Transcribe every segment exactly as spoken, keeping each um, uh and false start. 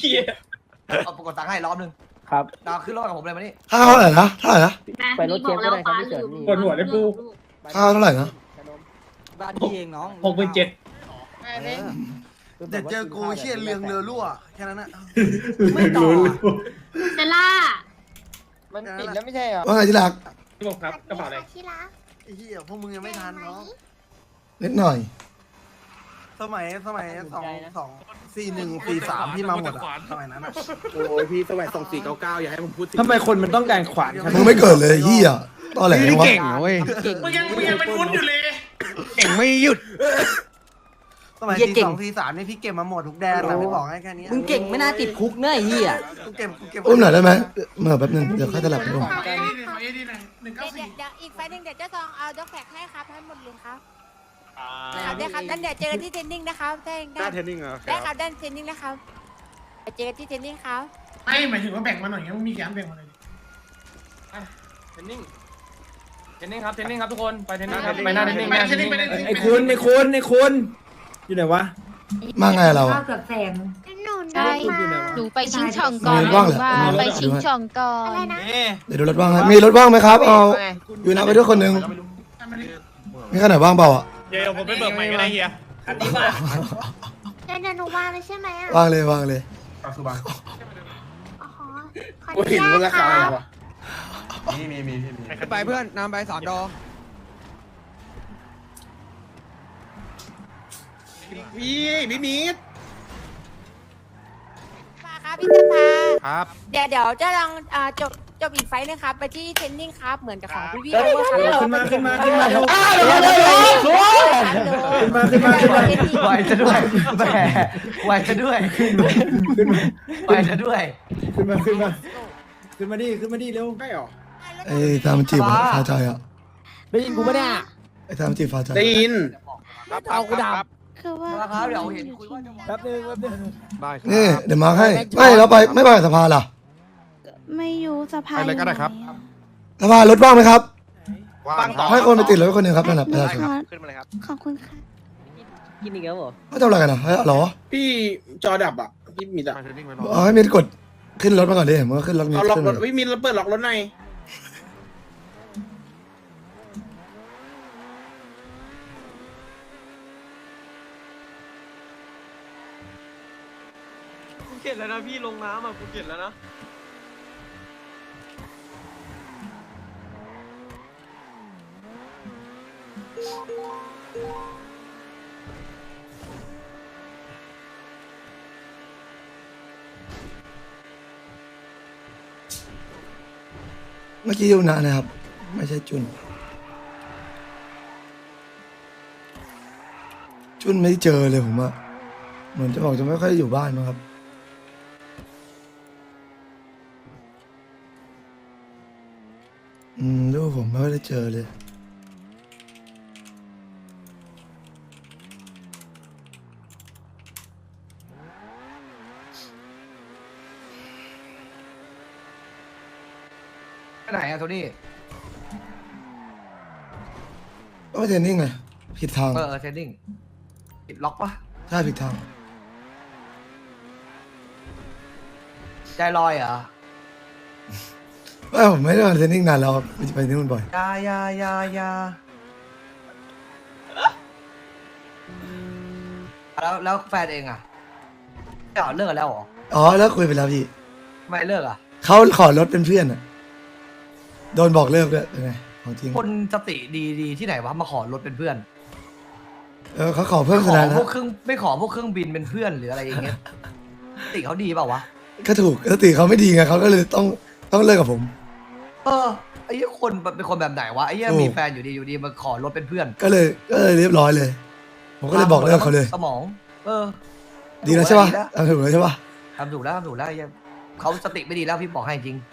เอากดตังค์ให้รอบนึงครับดาวขึ้นรถกับผมเลยมานี่ข้าวเท่าไหร่นะเท่าไหร่นะไปรถเชฟก็ได้ครับพี่เฉินนี่ปวดหัวเลยกูข้าวเท่าไหร่นะบ้านพี่เองน้องหกหมื่นเจ็ดเดี๋ยวเจอกูเชี่ยเรืองเรือรั่วแค่นั้นนะไม่ต่อเซล่ามันปิดแล้วไม่ใช่เหรอว่าไงที่รักพี่บอกครับกระเป๋าอะไรที่รักไอ้เหี้ยพวกมึงยังไม่ทันน้องนิดหน่อยสมัยสมัยสองสองสี่หนึ่งสี่สามที่มาหมดอะสมัยนั้นอะโอ้ยพี่สมัยส่งสี่เก้าเก้าอย่าให้ผมพูดถึงทำไมคนมันต้องการขวานขนาดมึงไม่เกิดเลยเฮียตอแหลยังวะเก่งเว้ยมึงยังมึงยังเป็นวุ้นอยู่เลยเก่งไม่หยุดสมัยเหี้ยสี่เก่งสองสี่สามนี่พี่เก็บมาหมดทุกแดนนะพี่บอกให้แค่นี้มึงเก่งไม่น่าติดคุกเนอะไอ้เหี้ยกูเก็บกูเก็บอุ้มหน่อยได้ไหมเมื่อแป๊บนึงเดี๋ยวค่อยตลับไปอุ้มเดี๋ยวเดี๋ยวอีกไฟหนึ่งเดี๋ยวเจ้าซองเอาด็อกแท็กให้ครับให้หมดเลยครับครับได้ครับงั้นเดี๋ยวเจอกันที่เทรนนิ่งนะครับได้หได้น้าเทรนนิ่งเหรอได้ครับได้เทรนนิ่งนะครับไปเจอกันที่เทรนนิ่งครับไม่หมายถึงว่าแบ่งมาหน่อยไงมึงมีกี่อันแบ่งมาหน่อยดิเทนนิ่งเทนนิ่งครับเทนนิ่งครับทุกคน ไปเทนนิ่งครับ ไปหน้าเทนนิ่งไปหน้าเทเทนนนิ่นิ่งงไปเทนนิ่งไอ้คุณไอ้คุณไอ้คุณอยู่ไหนวะมาไงเราอะหนูได้ได้หนูไปชิงช่องก่อนว่างเหรอว่าไปชิงช่องก่ออะไรนนะเดี๋ยวดูรถว่างให้มีรถว่างไหมครับเอาอยู่นะไปด้วยคนหนึ่งมีขนาดว่างเปล่าอ่ะเดี๋ยวผมไปเบิกใหม่ก็ได้เฮียอันนี้ป่ะเดี๋ยวเดี๋ยวหนูวางเลยใช่ไหมอ่ะว่างเลยว่างเลยก็คือบังอ๋อขออโอ้ยนุเห็นว่าญาราตคคารัอะไรบวะมีมีมีมีไปเพื่อนนำไปสอนดอพี่พี่มีดมาครับพี่สภาครับเดี๋ยวเดี๋ยวจะลองอ่าจบจบอีกไฟล์นะครับไปที่เทรนนิ่งครับเหมือนกับของพี่พี่โอเวอร์ครับขึ้นมาขึ้นมาขึ้นมาเร็วขึ้นมาขึ้นมาขึ้นมาไหวจะด้วยแหมไหวจะด้วยไหวจะด้วยขึ้นมาขึ้นมาขึ้นมาดิขึ้นมาดิเร็วใช่หรอไอ้ตามจีบอะฟาใจอ่ะได้ยินกูปะเนี่ยไอ้ตามจีบฟาใจได้ยินเอากูดับคือว่าราคาเดี๋ยวเห็นคุยว่าจะแป๊บนึงแป๊บนึงนี่เดี๋ยวมาให้ไม่เราไปไม่ไปสภาล่ะไม่อยู่สภาไปเลยก็ได้ครับสภารถว่างไหมครับว่างครับให้คนไปติดรถไว้คนหนึ่งครับนั่นแหละประชาชนขึ้นมาเลยครับขอบคุณค่ะกินอีกแล้วเหรอเขาทำอะไรกันอ่ะเฮ้ยเหรอพี่จอดับอ่ะพี่มีดอ่ะมาเทนนิ่งไปรอเอาให้มีกดขึ้นรถมาก่อนดิมันก็ขึ้นรถมีเอาล็อกขึ้นรมาถพี่มีดเปิดล็อกรถในกูเก็บแล้วนะพี่ลงน้ำอ่ะกูเก็บแล้วนะเมื่อกี้ยูนะนะครับ ไม่ใช่จุน จุนไม่เจอเลยผมอะเหมือนจะบอกจะไม่ค่อยอยู่บ้านมั้งครับ อืมลูกผมไม่ค่อยได้เจอเลยไปไหนอะโทนี่ก็ไม่เทรนนิ่งไงผิดทางเออเทรนนิ่งปิดล็อกปะใช่ผิดทางใจลอยเหรอไม่ผมไม่ได้มาเทรนนิ่งนานแล้วครับไปที่นู่นบ่อยยายายายาแล้วแล้วแฟนเองอะเลิกเลิกกันแล้วเหรออ๋อแล้วคุยไปแล้วพี่ไม่เลิกอะเขาขอรถเป็นเพื่อนอะโดนบอกเลิกด้วยเป็นไงของจริงคนสติดีดีที่ไหนวะมาขอรถเป็นเพื่อนเออเขาขอเพิ่มขสอถานะพวกเครื่องไม่ขอพวกเครื่องบินเป็นเพื่อนหรืออะไรอย่างเงี้ยสติเขาดีเปล่าวะก็ถูกสติเขาไม่ดีไงเขาก็เลยต้องต้องเลิกกับผมเออไอ้เหี้ยคนเป็นคนแบบไหนวะไอ้เหี้ยถูกมีแฟนอยู่ดีอยู่ดีมาขอรถเป็นเพื่อนก็เลยก็เลยเรียบร้อยเลย ผมก็เลยบอกเลิกเขาเลยสมอง เออดีแล้วใช่ป่ะดีแล้วทำถูกแล้วใช่ป่ะทำถูกแล้วทำถูกแล้วไอ้เหี้ยเขาสติไม่ดีแล้วพี่บอกให้จริง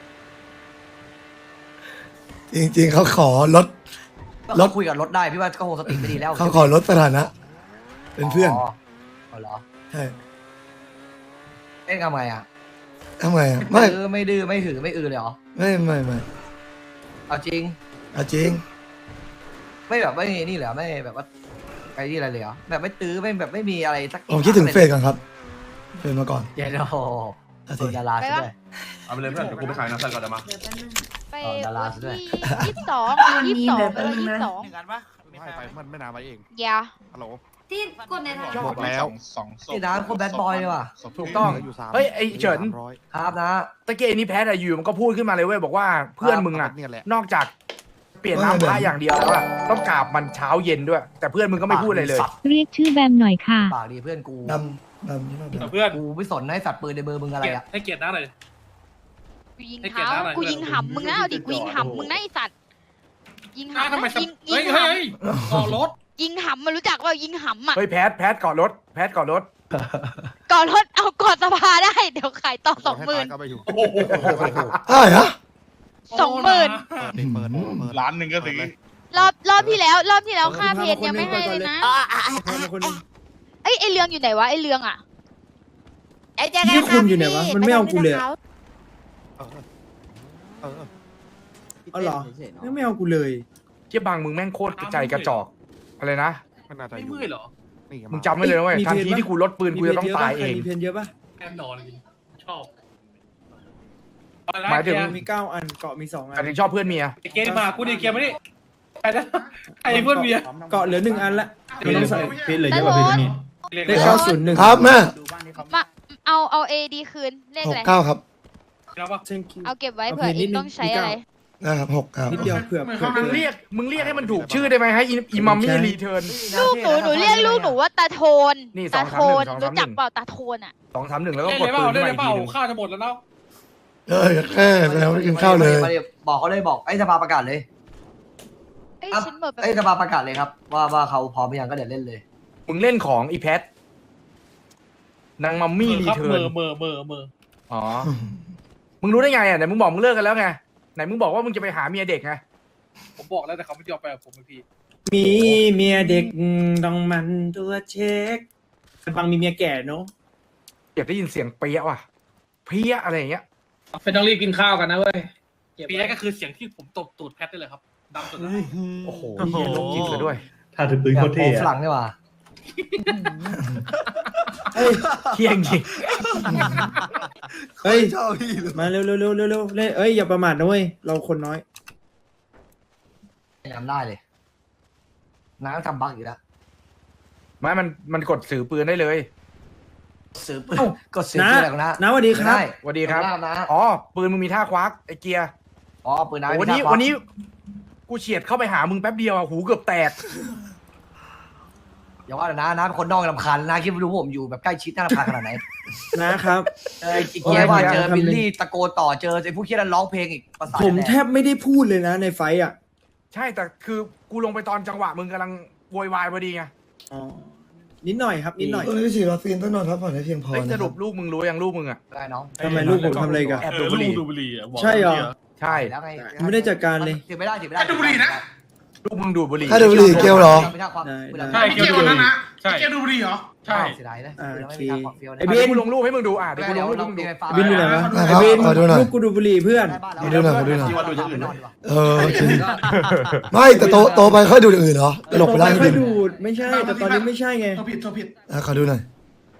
จริง ๆเขาขอรถก็รถเขาคุยกับรถได้พี่ว่าก็คงสติไม่ดีแล้วเขาขอรถสถานะ เป็นเพื่อนอ๋ออ๋อเหรอใช่เอ๊ะทำไงอ่ะทำไงอะไม่ดื้อไม่ดื้อไม่ถือไม่อือเลยเหรอไม่ไม่ไม่เอาจริงเอาจริงไม่แบบไม่นี่เหรอไม่แบบว่าไอ้นี่อะไรเลยเหรอแบบไม่ตื้อไม่แบบไม่มีอะไรสักผมคิดถึงเฟสก่อนครับเพื่อนมาก่อนเดี๋ยวโอ้อาโหทิดาราซะด้วยเอาไปเลยเพื่อนเดี๋ยวกูไปขายน้ำใส่ก่อนเดี๋ยวมาไปอ๋อดาราวันซะด้วยที่ยี่สิบสองยี่สิบสองไปวันยี่สิบสองหนึ่งอันปะไม่ไปมันไม่นานไปเองอย่าฮัลโหลที่กดในไทยบอกแล้วสองศพนี่นะคนแบดบอยเลยว่ะถูกต้องอยู่สามเฮ้ยไอ้เฉินสามร้อยครับนะตะเกียนี่แพทอะอยู่มันก็พูดขึ้นมาเลยเว้ยบอกว่าเพื่อนมึงอะเนี่ยแหละนอกจากเปลี่ยนน้ำพระอย่างเดียวแล้วอะต้องกราบมันเช้าเย็นด้วย แต่เพื่อนมึงก็ไม่พูดอะไรเลยเรียกชื่อแบมหน่อยค่ะปากดีเพื่อนกูดำดำใช่ไหมดำเพื่อนกูไม่สนให้สัตว์ปืนในเบอร์มึงอะไรอ่ะให้เกียรติน้าหน่อยกูยิงให้เกียรติเท้าน้าหน่อยกูยิงหำมึงนะเอาดิกูยิงหำมึงนะไอสัตว์ยิงน้าหำทำไมนะยิงยิเฮ้ยงเฮ้หยต่อรถำยิงหำมันรู้จักว่ายิงหำอ่ะเฮ้ยแพทแพทก่อนรถแพทก่อนรถก่อนรถเอาก่อนสภาได้เดี๋ยวขายต่อสองหมื่นให้ตายก็ไปอยู่อะไรฮะสองหมื่นเปิดดิเปิดเปิดล้านหนึ่งก็ซื้อรอบรอบที่แล้ว รอบที่แล้วค่าเพนยังไม่ให้เลยนะคนนึงเอ้ยไอเรืองอยู่ไหนวะไอเรืองอ่ะไอ้เจอกันนี่คุณอยู่ไหนวะมันไม่เอากูเลยเออเออเอาเหรอไม่ไม่เอากูเลยเชี่ยบางมึงแม่งโคตรใจกระจอกอะไรนะไม่น่าจะอไม่ยู่มืดเหรอนี่มึงจำไว้เลยนะเว้ยมีทันเพจทีปะที่กูลดปืนกูจะต้องตายเองมีเพนเยอะปะแน่นอนชอบหมายถึงมีเก้าอันเกาะมีสองอัแต่นถึงชอบเพื่อนเมียเกมมากูดิเกมมาดิใครนะใครเพื่อนเมียเกาะเหลือหนึ่งอันละเพนต้องใส่เพนเหลือเยอะกว่าเพนนี่เรียกเลขเก้าศูนย์หนึ่งครับแม่มาเอาเอาเอดีคืนเลขหอะกไรเก้าครับแล้วปะเอาเก็บไว้เผื่อเองต้องใช้อะไรนะครับหกครับนิดเดียวเผื่อเผื่อมึงเรียกมึงเรียกให้มันถูกชื่อได้ไหมให้อิมัมมี่รีเทิร์นลูกหนูหนูเรียกลูกหนูว่าตาโทนนี่ตาสองโทสามหนึ่งสองสามหนึ่งนรู้จักเปล่าตาโทนอ่ะสองสามหนึ่งแล้วก็เล่นกเลดยเปปืล่าน เล่ขึ้นนมาเลยอีกเปล่าทีหนึงข้าวจะหมดแล้วเนาะเอ้ยแค่แสดงว่ากินข้าวเลยมาดิบอกเขาเลยบอกไอ้สภาประกาศเลยเอ้ยอ่ะฉันหมดไปไอ้สภาประกาศเลยครับ ว่าว่าเขาพร้อมหรือยังก็เดี๋ยวเล่นเลยมึงเล่นของอีแพทนางมัมมี่รีครับเทิเมร์นอเมอเมอเมออ๋อ มึงรู้ได้ไงอ่ะไหนมึงบอกมึงเลิกกันแล้วไง ไหนมึงบอกว่ามึงจะไปหาเมียเด็กไงผมบอกแล้วแต่เขาไม่ยอมไปกับผมพี่มีเมียเด็กต้องมันตัวเช็คบางมีเมียแก่เนาะอยากได้ยินเสียงเปี้ยว่ะ เพี้ยอะไรอย่างเงี้ยเป็นต้องรีบกินข้าวกันนะเว้ยปีแรกก็คือเสียงที่ผมตบตูดแพทได้เลยครับดังสุดโอ้โหเหี้ยโรคจิตเลยด้วยถ้าถือปืนโคตรเท่ฝรั่งนี่ว่ะเที่ยงจริงเฮ้ยชอบพี่เลยมาเร็วเร็วเร็วเร็วเร็วเล่นเอ้ยอย่าประมาทนะเว้ยเราคนน้อยจำได้เลยน้าทำบั๊กอยู่แล้วไม่มันมันกดสื่อปืนได้เลยซื้อปืนเอ้ากดซื้อนะปืนอะไรของน้านะสวัสดีครับไม่ไสวัสดีครับขอณนะอ๋อ ปืนมึงมีท่าควักไอ้เกียร์อ๋อปืนน้าโอ้วันนี้วันนี้ กูเฉียดเข้าไปหามึงแป๊บเดียวอะหูเกือบแตกอย่าว่าแต่นะน้าเป็นคนนอกลำคาญนะคิดว่ารู้ผมอยู่แบบใกล้ชิดน่ารำคาญขนาดไหนนะครับเออไอ้เกียร์ว่าเจอโอ้ยบิลลี่ตะโกนต่อเจอไอ้ผู้เคียนร้องเพลงอีกภาษาผมแทบไม่ได้พูดเลยนะในไฟท์อ่ะใช่แต่คือกูลงไปตอนจังหวะมึงกำลังโวยวายพอดีไงอ๋อนิดหน่อยครับนิดหน่อยตอนนี้ฉีดวัคซีนต้องนอนพักผ่อนให้เพียงพอเฮ้ยนะสครุรับปลูกมึงรู้ยังลูกมึงอะได้น้องทำไมลูกผมทำอะไรกันแอบดูบุหรี่ดูบุหรี่อ่ะใช่เหรอใช่แล้วไงไม่ได้จัดการเลยถือไม่ได้ถือไม่ได้ดูบุหรี่นะลูกมึงดูดบุหรี่ถ้าดูบุหรี่เกลียวเหรอไม่ได้ความได้ไม่ได้ใช่เกี่ยวดูบุหรี่ใช่แกดูบุหรี่เหรอใช่เสียดายนะอ่าไม่โอเคมีทางความเฟี้ยวนะไอ้เดี๋เบยวน กูลงรูปให้มึงดูอ่ะเดี๋ยวกูลงรูปให้มึงดูบินอยู่ไหนวะได้คไอ้รับเบนขอดูหน่อยลูกกูดูบุหรี่เพื่อนขอดูหน่อยขอดูหน่อยดูอย่างอื่นด้วยเออโอเคไม่แต่โตโตไปค่อยดูอย่างอื่นเหรอตลกไปแล้วไม่จค่อริยงดูดไม่ใช่แต่ตอนนี้ไม่ใช่ไงตัวผิดตัวผิดๆอ่ะขอดูหน่อย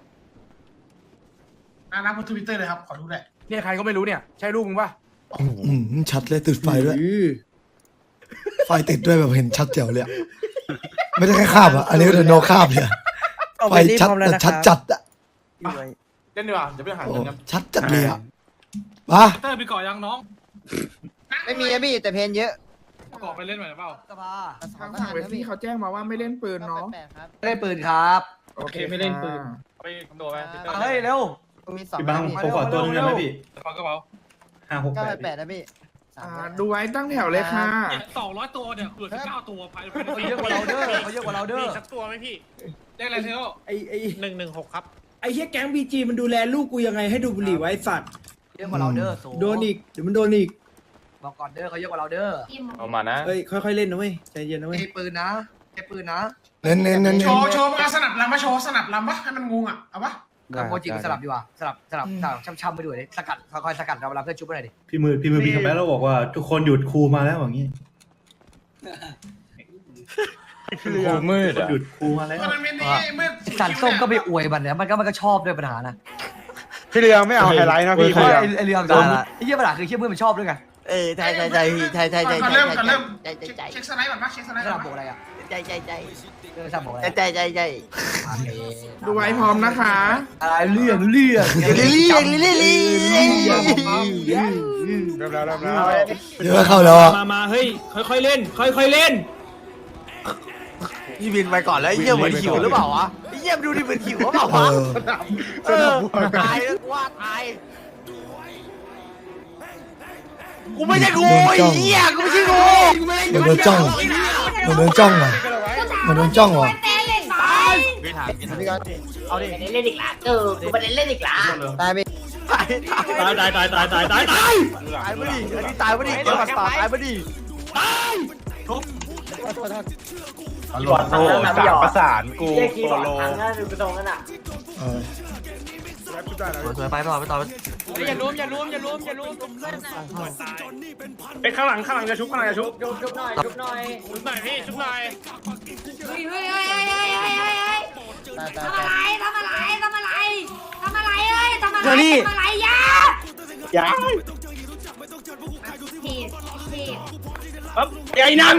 อ่านับทวิตเตอร์เลยครับ ขอดูแหละเนี่ยใครก็ไม่รู้เนี่ย ใช่ลูกมึงปะอืมชัดเลยติดไฟด้วยอื้อไฟติดด้วยแบบเห็นชัดแจ๋วเลยอะไม่ได้แค่คาบอ่ะอันนี้ก็เดินโนคาบเลยอะไฟชัดแต่ชัดจัดอ่ะเล่นดีกว่าเดี๋ยวไปหาโอ้เงินกันชัดจัดเลยอ่ะมาเตอร์ไปก่อยังน้องไม่มีนะพี่แต่เพนเยอะก่อไปเล่นหน่อยเปล่าสภาทางฝั่งเวทีเขาแจ้งมาว่าไม่เล่นปืนเนาะไม่ได้ปืนครับโอเคไม่เล่นปืนไปตัวไปเฮ้ยเร็วมีสองพี่บังผมขอตัวนึงได้ไหมพี่ฟังกระเป๋าห้าหกเก้าแปดแปดนะพี่ดูไว้ตั้งแถวเลยค่ะสองร้อยตัวเนี่ยเหลือสิบเก้าตัวภายในเขาเยอะกว่าเราเด้อเขาเยอะกว่าเราเด้อสักตัวไหมพี่ได้อะไรเทโลไอ้ไอ้หนึ่งหนึ่งหกครับไอ้เฮียแก๊งบีจีมันดูแลลูกกูยังไงให้ดูบุหรี่ไว้สัตว์เยอะกว่าเราเด้อโดนอีกเดี๋ยวมันโดนอีกบอกก่อนเด้อเขาเยอะกว่าเราเด้อเอามานะเฮ้ยค่อยๆเล่นนะเว้ยใจเย็นนะเว้ยไอ้ปืนนะไอ้ปืนนะเน้นเน้นเน้นโชเน้นว์โชว์มาสนับลำมาโชว์สนับลำปะให้มันงงอ่ะ เอาปะกับโมจิสลับดีกว่าสลับสลับสลับช้ำๆไปด้วยดิสกัดคอยสกัดเราเวลาเพื่อนชุบไปหน่อยดิพี่มือพี่มือพี่คำแป๊ะเราบอกว่าทุกคนหยุดครูมาแล้วอย่างนี้ครูมืดอ่ะหยุดครูมาแล้วสันส้มก็ไปอวยมันเนี่ยมันก็มันก็ชอบด้วยปัญหานะพี่เรืองไม่เอาไฮไลท์นะพี่เพราะไอ้ไอ้เรื่องด่าไอ้เหี้ยปัญหาคือเหี้ยเพื่อนมันชอบด้วยไงเออใช่ใช่ใช่พี่ใช่ใช่ใช่ใช่เริ่มก่อนเริ่มใช่ใช่ใช่เช็คสไลด์ก่อนปะเช็คสไลด์สก่อลันบโบอะไรอ่ะใช่ใช่ใช่เรื่องสลับโบอะไรใช่ใช่ใช่ดูไว้พร้อมนะคะอะไรเรื่องเรื่องลิลี่ลิลี่ลิลี่เริ่มแล้วเริ่มแล้วเดี๋ยวเข้าแล้วอะมามาเฮ้ยค่อยๆเล่น ค่อยๆเล่นพี่บินไปก่อนแล้วไอ้เหี้ยเหมือนหิวหรือเปล่าวะไอ้เหี้ยดูดิเหมือนหิวหรือเปล่าเอวะอเออตายแล้วว่าตายกูไม่ใช่กูไอ้เหี้ยกูไม่ใช่กูมันโดนจ้องมันโดนจ้องอ่ะมันโดนจ้องว่ะเอาดิเล่นอีกละเออกูประเด็นเล่นอีกละตายไปตายตายตายตายตายตายตายตายตายไปดิอันนี้ตายไปดิเจ้าตายไปดิตำรวจโทรสั่งประสานกูโปโลเออสวยไปต่อไปต่ออย่าล้มอย่าล้มอย่าล้มอย่าล้มไปข้างหลังข้างหลังจะชุบข้างหลังจะชุบชุบชุบหน่อยชุบหน่อยชุบหน่อยพี่ชุบหน่อยเฮ้ยเฮ้ยเฮ้ยเฮ้ยเฮ้ยเฮ้ยเฮ้ยทำอะไรทำอะไรทำอะไรทำอะไรเอ้ยทำอะไรทำอะไรยาอย่าผิดผิดครับใหญ่นัง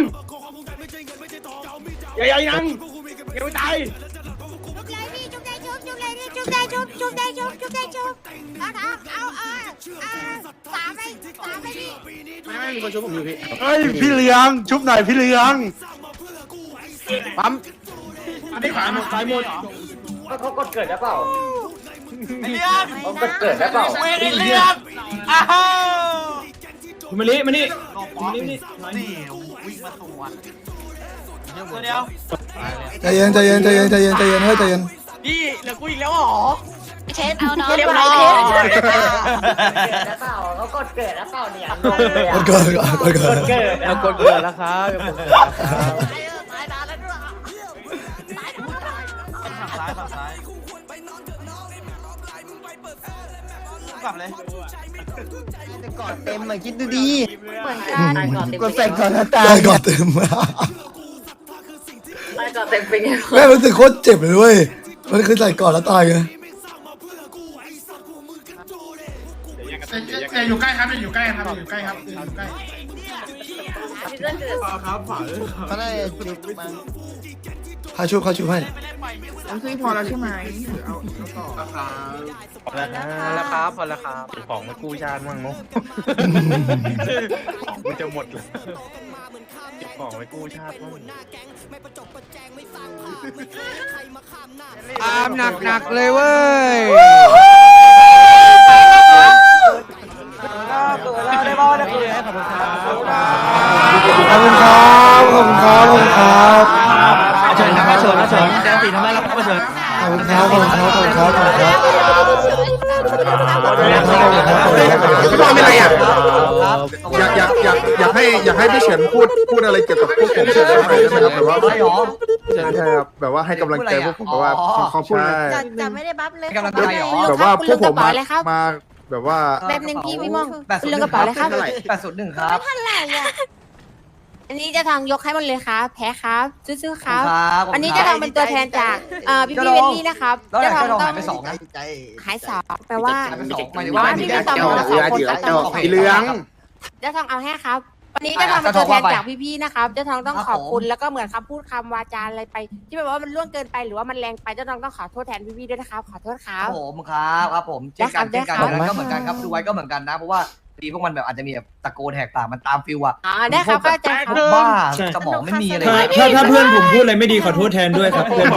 ใหญ่ใหญ่นังยังไม่ตายจุกเลยพี่จุกได้จุกจุกเลยพี่จุกได้จุกจุกได้จุกจุกได้จุกเอาเอาเอาเอาสามไปสามไปพี่ไม่มีคนชุบผมอยู่พี่เฮ้ยพี่เรืองชุบหน่อยพี่เรืองปั๊มอันนี้ขวาหมดซ้ายหมดเขากดเกิดแล้วเปล่าไอ้เรื่องเขากดเกิดแล้วเปล่าเว้ยไอ้เรื่องอ้าวคุณมาลิมานี่มาลินี่นี่วิ่งมาสวนเดี๋ยวเดี๋ยวใจเย็นใจเย็นใจเย็นใจเย็นใจเย็นเฮ้ยใจเย็นพี่เหลือกูอีกแล้วหรอเช็ดเอาเนาะเรียบร้อยแล้วเปล่าเขากดเกิดแล้วเปล่าเนี่ยมันเกิดก่อนมันเกิดเกิดแล้วกดเกิดแล้วครับตายตายแล้วด้วยตายตายซ้ายฝั่งซ้ายกลับเลยก่อนเต็มมาคิดดูดีเหมือนกันกดใส่ก่อนนะตาได้ก่อนเต็มไปก่อนเต็มไปเนี่ยแม่รู้สึกโคตรเจ็บเลยเว้ยมันคือใส่ก่อนแล้วตายไงแต่อยู่ใกล้ครับอยู่ใกล้ครับอยู่ใกล้ครับอยู่ใกล้เขาได้จุดมาข้าชุบข้าชุบให้ผมซื้อพอแล้วใช่ไหมหรือเอาเอาต่อพอแล้วครับพอแล้วครับของมากู้ชาติมั่งเนาะของกูจะหมดเลยของไปกู้ชาติมั่งตามหนักหนักเลยเว้ยได้บอลได้เลยขอบคุณครับขอบคุณครับขอบคุณครับขอบคุณครับเชิญครับเชิญเชิญแจ้งสีทำไมเราก็เชิญขอบคุณครับขอบคุณครับขอบคุณครับขอบคุณครับพี่บอลเป็นไรอ่ะอยากอยากอยากอยากให้อยากให้พี่เฉินพูดพูดอะไรเกี่ยวกับพวกผมเฉินหน่อยได้ไหมครับแบบว่าใช่หรอใช่ครับแบบว่าให้กำลังใจพวกผมแบบว่าเขาพูดจะจะไม่ได้บัฟเลยกำลังใจเหรอแบบว่าพวกผมมาเลยครับมาแบบว่าแบบหนึ่งพี่พี่มองแปดศูนเรื่ย์องกระเป๋าเลยครับแปดศูนย์หนึ่งครับเท่าไหร่อ่ะอันนี้จะทางยกให้หมันเลยครับแพ้ครับซื้อๆครับ อันนี้จะทางเป็นตัวแทนจากเอ่อพี่พี่เวลลี่นะครับแล้วจะจะทางทองต้อหาง ยไปสองนะหายสองแปลว่าหายไปสองหมายถึงว่าว่าพี่พี่พี่พี่สสออง งคนละสองคนครับต้องขอบสีเหลืองจะทองเอาให้ครับ วันนี้จะทองเป็นตัวแทนจากพี่ๆนะครับจะทองต้องขอบคุณแล้วก็เหมือนคำพูดคำวาจาอะไรไป ที่แบบว่ามันล่วงเกินไปหรือว่ามันแรงไปจะทองต้องขอโทษแทนพี่ๆด้วยนะครับขอโทษคครัรับบ ผมครับครับผมเช่นกันได้เช่นครักับ นก็เหมือนกันครับดูไว้ก็เหมือนกันนะเพราะว่าดีพวกมันแบบอาจจะมีแบบตะโกนแหกปากมันตามฟิลอะอ๋อได้ครับเข้าใจครับบ้าสมองไม่มีอะไรถ้าถ้าถ้าเพื่อนผมพูดอะไรไม่ดีขอโทษแทนด้วยครับเพื่อนผม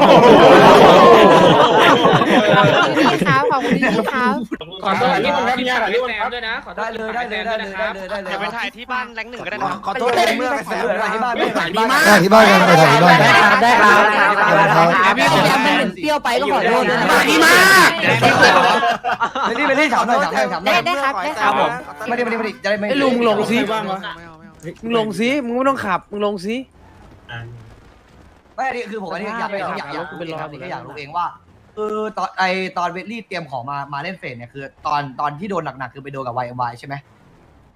พี่ครับขอบคุณพี่ครับขอโทษที่มันรับยากที่แซมด้วยนะขอโทได้ษเลยได้เลยได้เลยได้เลยได้เลยเดี๋ยวไปถ่ายที่บ้านแรงหนึ่งก็ได้นะขอโทษเต็มเมื่อไปถ่าเสืยอที่บ้านไม่ถ่ายที่บ้านถ่ายที่บ้านกันไปถ่ายที่บ้านกันได้ครับได้ครับพี่ผมทำเป็นเปรี้ยวไปก็ขอโทษด้วยนะดีมากไม่ได้ไม่ได้ถามหน่อยถามหน่อยถามหน่ได้อยได้ครับได้ครับไม่ได้ไม่ได้ไม่ได้จะได้ไม่ลุงลงซิบ้างวะมึงลงซิมึงไม่ต้องขับมึงลงซิไม่อันนี้คือผมอันนี้อยากอยากอยากอยากรู้เองครับนี่ก็อยากรู้เองว่าเออตอนไอตอนเวทลี่เตรียมของมามาเล่นเฟสเนี่ยคือตอนตอนที่โดนหนักๆคือไปโดนกับ วาย เอ็ม วาย ใช่ไหม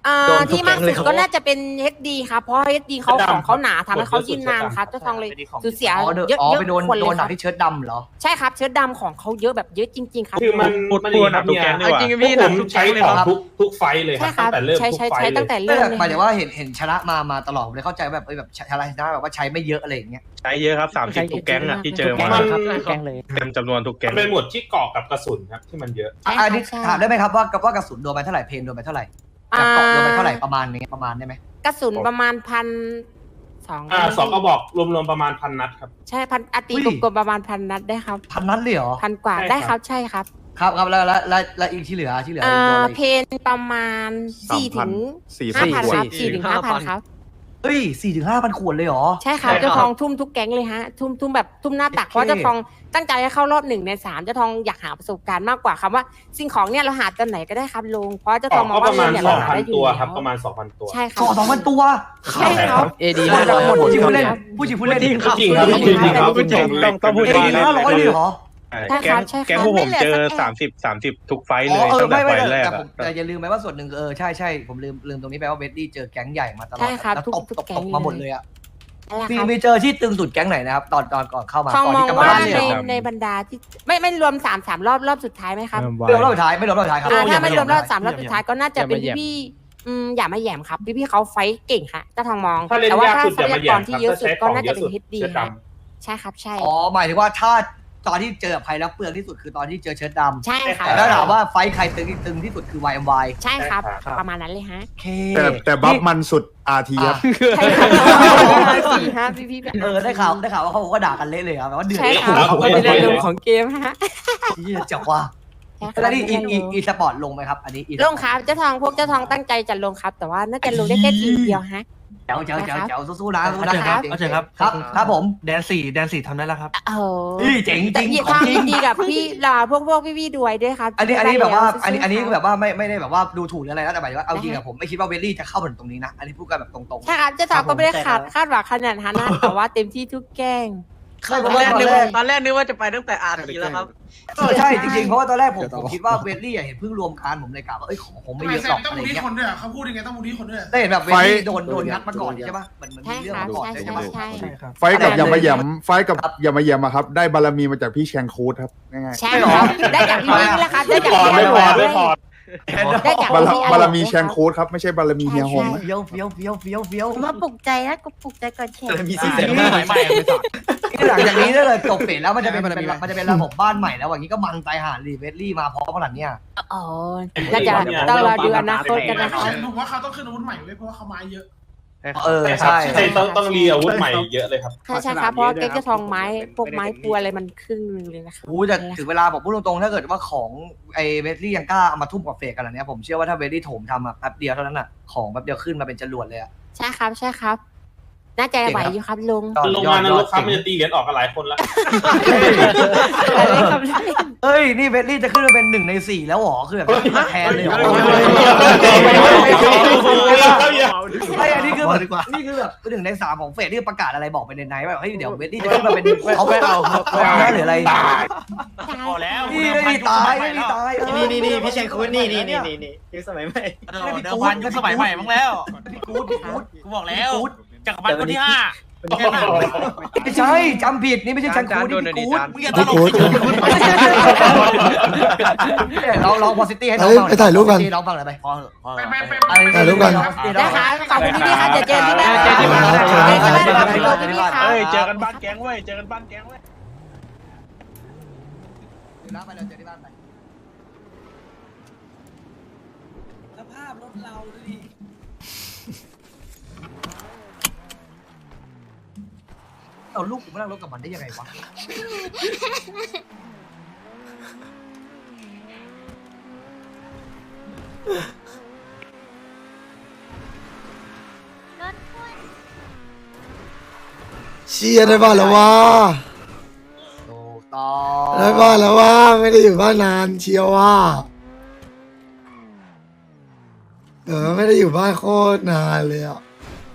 อ่าโดนทุกที่มากแก๊งเลสุยดครับก็น่าจะเป็น เอช ดี ครับเพราะ เอช ดี เขาของเขาหนาทำให้เขายืนนานครับเจ้าทองเลยสูญเสียอ๋อเดเยอะอ๋อเยอะไปโดนคนโดเลนยหคนัรักบที่เชิ้ตดำเหรอใช่ครับเชื้อดำของเขาเยอะแบบเยอะจริง ๆ ครับคือมันพูดพูดนะทุกแก๊งดีกว่าจริงๆพี่นะทุกใช้แก๊งเลยของครับทุกทุกไฟท์เลยคใช่รับครัตั้บงแต่เริ่มใช้ทุใช้กไฟใช้ท์เลตั้ยงแต่ไม่เริ่มแต่เลยหมายถึงว่าเห็นเห็นชนะมามาตลอดผมเลยเข้าใจแบบเอ้ยแบบอะไรนะแบบว่าใช้ไม่เยอะอะไรอย่างเงี้ยใช้เยอะครับสามสิบทุกแก๊งอ่ะที่เจอมามันแกงเลยเต็มจำนวนทุกแก๊งเป็นหมวดที่เกาะกับกระสุนครับที่มันเยอะใช่อ่ะอันนี้ใช่ถามได้ไหมครับว่าว่ากระสุนโดนไปเท่าไหร่เพนโดนไปเท่าไหร่อ่ากับเกาะโดนไปเท่าไหร่ประมาณนี้ประมาณได้ไหมกระสุนประมาณพันสองอ่าสองกระบอกรวมๆประมาณพันนัดครับใช่พันอาตีกลมๆประมาณพันนัดได้ครับพันนัดเลยเหรอพันกว่าใช่ได้คครัรับ บใช่ครับครับครับแล้วแล้วแล้วแล้วอีกที่เหลือที่เหลืออ่โดนอะาไรเพนประมาณสี่ถึงสี่ห้าสิบพันขวดครับสี่ถึงห้าพันครับเฮ้ยสี่ถึงห้าพันขวดเลยเหรอใช่ครับใช่ครับเจ้าทองทุ่มทุกแก๊งเลยฮะ ทุ่มทุ่มแบบทุ่มหน้าตักโอเคเพราะเจ้าทองตั้งใจให้เข้ารอบหนึ่งในสามเจ้าทองอยากหาประสบการณ์มากกว่าคำว่าสิ่งของเนี่ยเราหาตอนไหนก็ได้ครับลุงเพราะเจ้าอทออก งมองก็ปว่าระมาณเนี่ยสเราองหาพันได้อยู่ตัวแล้วครับประมาณสองพันตัวใช่ครัสองสองพันตัวใช่ครับเอดีหมดมากหมดจริงพูดเล่นครับพูดจริงพูดเล่นจริงครับจริงครับจริงครับจริงต้องต้องพูดเอ้ยห้าร้อยเลยเหรอใช่แก๊ครังบใช่ครับแก๊งพวกผมเจอไม่เหลือสักแอะสามสิบสามสิบทุกไฟท์อ๋เลอย เออตั้งแต่ไม่ไฟไม่ท์แรกแต่อะผมแต่อย่าลืมไปว่าส่วนหนึ่งเออใช่ใช่ผมลืมลืมตรงนี้ไปว่าเวดดี้เจอแก๊งใหญ่มาตลอดใช่ครับแล้วทุกตบทุกตบแก๊ตงบเลยมาหมดเลยอ่ะนั่นแหละมีครับมีเจอที่ตึงสุดแก๊งไหนนะครับตอนตอนก่อนเข้ามาทองก่อนมองที่จะมาว่าเล่นในเนี่ยในบรรดาที่ไม่ไม่รวมสามสามรอบรอบสุดท้ายไหมครับไม่รวมรอบสุดท้ายไม่รวมรอบสุดท้ายครับอ่าถ้าไม่รวมรอบสามรอบอย่สุดท้ายก็น่าจะเป็นอย่ามาแหย่มพี่ๆอืมอย่ามาแหย่มครับพี่พี่ๆเขาไฟท์เก่งค่ะเจ้าทองมองถ้าเล่นแต่ว่ายากถ้าสุดทรัอย่าพมาแหยาย่กมรคที่รับเยอะถ้าสุดใช้ขก็องน่าเยจะอะเป็นสุดเฮดดีเสื้อครับดำใช่ครับใช่อ๋อหมายถึงว่าถ้าตอนที่เจอกับใครแล้วเปลืองที่สุดคือตอนที่เจอเชิ้ตดำใช่ครับแต่ถ้าถามว่าไฟท์ใครตึงตึงที่สุดคือ วาย เอ็ม วายใช่ครับใช่ครับประมาณนั้นเลยฮะโอเคแต่แต่บัฟมันสุดอาร์ทีครับใช่ครับสี่ห้าพี่พี่ๆเออได้ข่าวได้ข่าวว่าเขาก็ด่ากันเละเลยครับแบบว่าเดือดใช่ครับผมเป็นเล่นเรื่องเล่นของเกมฮะที่จะจับว่าใช่ครับแล้วนี่อีอีอีสปอร์ตลงไหมครับ อันนี้อีลงครับเจ้าทองพวกเจ้าทองตั้งใจจะลงครับ แต่ว่าน่าจะลงได้แค่ทีมเดียวฮะเจ๋วเจ๋วเจ๋วเจ๋วสู้ๆนะสู้เอานะเถอะครับเอาเถอะครับครับครับผมแดนสี่แดนสี่ทำได้แล้วครับโอ้โหเฮ้ยเจ๋งจริงแต่ของทางจริงดีกับพี่ลาพวกพวกพี่ๆด้วยด้วยครับอันนี้อันนี้แบบว่าอันนี้อันนี้สู้ๆคือแบบว่าไม่ไม่ได้แบบว่าดูถูกหรืออะไรนะแต่หมายถึงว่าเอาจริงอะผมไม่คิดว่าเวลลี่จะเข้ามาถึงตรงนี้นะ อันนี้พูดกันแบบตรงๆใช่ครับเจ้าทองก็ไม่ได้คาดคาดหวังขนาดนั้นนะแต่ว่าเต็มที่ทุกแกล้งตอนแรกนึกว่าตอนแรกนึกว่าจะไปตั้งแต่อาร์ทีแล้วครับเออใช่จริงๆเพราะว่าตอนแรกผมผมคิดว่าเวลลี่อะเห็นเพิ่งรวมการผมเลยกะว่าเอ้ยของผมไม่เยอะหรอกอะไรเงี้ยเขาพูดยังไงต้องมูดี้คนด้วยได้เห็นแบบเวลลี่โดนโดนงัดมาก่อนใช่ปะมันมันใช่มีเรื่องครับมาก่อนใช่ใช่ใช่ปะใช่ไฟท์กับอย่ามาแหยมไฟท์กับอย่ามาแหยมอะครับ ได้บารมีมาจากพี่แชงคูดครับง่ายใช่ครับได้จากพี่นี่แหละครับได้จากพอพี่ไม่พอไม่พอได้จากๆบารพี่บารมีแชงคูดครับไม่ใช่บารมีเฮียฮงนะเฟี้ยวเฟี้ยวเฟี้ยวเฟี้ยวเฟี้ยวมาปลุกใจนะกูปลุกใจก่อนแข่งมีสี่แสนห้าใหม่ไม่สอดหลังจากนี้ถ้าเกิดจบเฟสแล้วมันจะเป็นเป็นมันจะเป็นระบบบ้านใหม่แล้วอย่างนี้ก็มันตายหารีเวลลี่มาพร้อมขนาดเนี้ยอ๋อน่าจะต้องรอดูอนาคตกันนะครับผมว่าเขาต้องขึ้นอาวุธใหม่เลยเพราะว่าเขามาเยอะเออใช่ใช่ต้องต้องรีอาวุธใหม่เยอะเลยครับใช่ใช่ครับเพราะเก๊กจะทองไม้พวกไม้ปัวอะไรมันครึ่งนึงเลยนะครับโอ้แต่ถึงเวลาผมพูดตรงๆถ้าเกิดว่าของไอ้เวลลี่ยังกล้าเอามาทุ่มกับเฟกกันอันเนี้ยผมเชื่อว่าถ้าเวลลี่โถมทำอ่ะแป๊บเดียวเท่านั้นอ่ะของแป๊บเดียวขึ้นมาเป็นจรวดเลยอ่ะใช่ครับใช่ครับ น่าจะไหวอยู่ครับลุงลงมานรกครับมันจะตีเหรียญออกกันหลายคนแล้วเอ้ยนี่เวลลี่จะขึ้นมาเป็นหนึ่งในสี่แล้วหรอคือแบบแทนเลยหรอไม่อันนี้คือแบบนี่คือแบบหนึ่งในสามของเฟสที่ประกาศอะไรบอกไปในไนท์ว่าเฮ้ยเดี๋ยวเวลลี่จะขึ้นมาเป็นเขาไม่เอาหรืออะไรพอแล้วนี่ไม่มีตายไม่มีตายนี่นี่นี่พี่ชัยคุณนี่นี่นี่นี่นี่ยุคสมัยใหม่เดิมพันยุคสมัยใหม่มั้งแล้วพี่กู๊ดพี่กู๊ดกูบอกแล้วจักรพรรดิคนที่ห้าไม่ใช่จำผิดนี่ไม่ใช่ชังคูนี่พี่กู๊ดมึงอย่าตลกลองลองพอซิตี้ให้น้องเอ้ยฟังไปถ่ายรูปกันน้องฟังหน่อยไปพอพอถ่ายรูปกันได้ครับขอบคุณพี่ๆครับเดี๋ยวเจอที่บ้านเจอที่บ้านเจอที่บ้านครับพี่โรพี่ๆครับเฮ้ยเจอกันบ้านแก๊งเว้ยเจอกันบ้านแก๊งเว้ยไปเลยเจอที่บ้านไปสภาพรถเราดิเอาลูกกูมานั่งรถกับมันได้ยังไงวะเชียร์ได้บ้านแล้วว่าถูกต้องได้บ้านแล้วว่าไม่ได้อยู่บ้านนานเชียวว่าเออไม่ได้อยู่บ้านโคตรนานเลยอ่ะ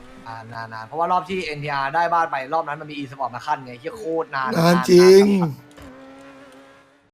อ่านานๆเพราะว่ารอบที่ เอ็น ที อาร์ ได้บ้านไปรอบนั้นมันมี e สปอร์ตมาขั้นไงที่โคตรนานนานจริงน